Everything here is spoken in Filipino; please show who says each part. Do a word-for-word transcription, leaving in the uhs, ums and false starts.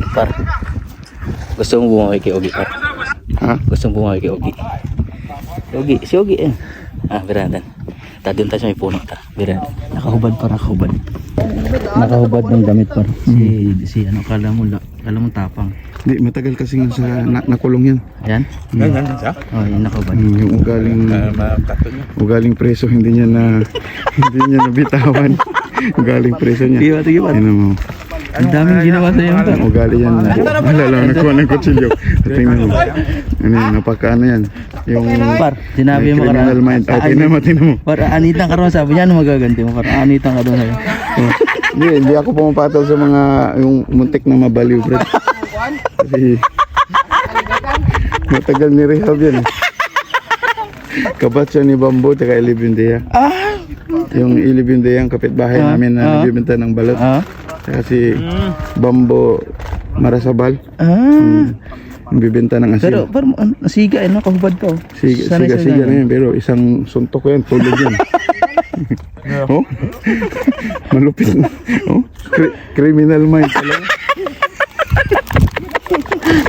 Speaker 1: Par, gusto mo bumawi kay Ogi, par?
Speaker 2: Ha?
Speaker 1: Gusto mo bumawi kay Ogi? Ogi, si Ogi eh. Ah, biradan. Tadun tayo sa may puno ta. Biradan. Nakahubad par, nakahubad. Nakahubad ng damit par. Si, si ano, kala mo, la- kala mo tapang.
Speaker 2: Di, matagal kasi nga sa na, nakulong yan.
Speaker 1: Ayan.
Speaker 3: Ganyan yan siya?
Speaker 1: Oh, yun nakahubad.
Speaker 2: Hmm, yung ugaling,
Speaker 3: Matato niya.
Speaker 2: ugaling preso hindi niya na, hindi niya nabitawan. Ugaling preso niya.
Speaker 1: Sige ba, sige ba?
Speaker 2: Ano mo?
Speaker 1: Ang daming ginawa sa'yo par.
Speaker 2: Ang ugali yan. Wala lang, nakuha ng kutsilyo. Tingnan mo. Ano yan, napaka ano yan. Yung
Speaker 1: Par, sinabi
Speaker 2: may
Speaker 1: mo
Speaker 2: criminal
Speaker 1: karaan.
Speaker 2: mind. Okay na, matino mo.
Speaker 1: Par, anitan ka ron, sabi niya, ano magaganti mo? Par, anitan ka doon sa'yo.
Speaker 2: Hindi, hindi ako pumapatol sa mga yung muntik na mabaliw, bro. Kasi matagal ni rehab yan. Kabatsa ni Bambo at Ilibindea.
Speaker 1: Ah!
Speaker 2: Yung Ilibindea ang kapitbahay
Speaker 1: Ah,
Speaker 2: namin na
Speaker 1: ah.
Speaker 2: nagbibenta ng balot.
Speaker 1: Ah?
Speaker 2: Saka si Bambo Marasabal,
Speaker 1: Ah!
Speaker 2: ang bibenta ng asin.
Speaker 1: Pero, par, an- nasiga eh, no? Kahubad ka oh.
Speaker 2: Siga,
Speaker 1: Sanay
Speaker 2: siga,
Speaker 1: sa
Speaker 2: siga
Speaker 1: ganun.
Speaker 2: na yan, pero isang suntok ko yan, tulog yan. Oh? Malupit na. Oh? Kri- criminal mind talaga.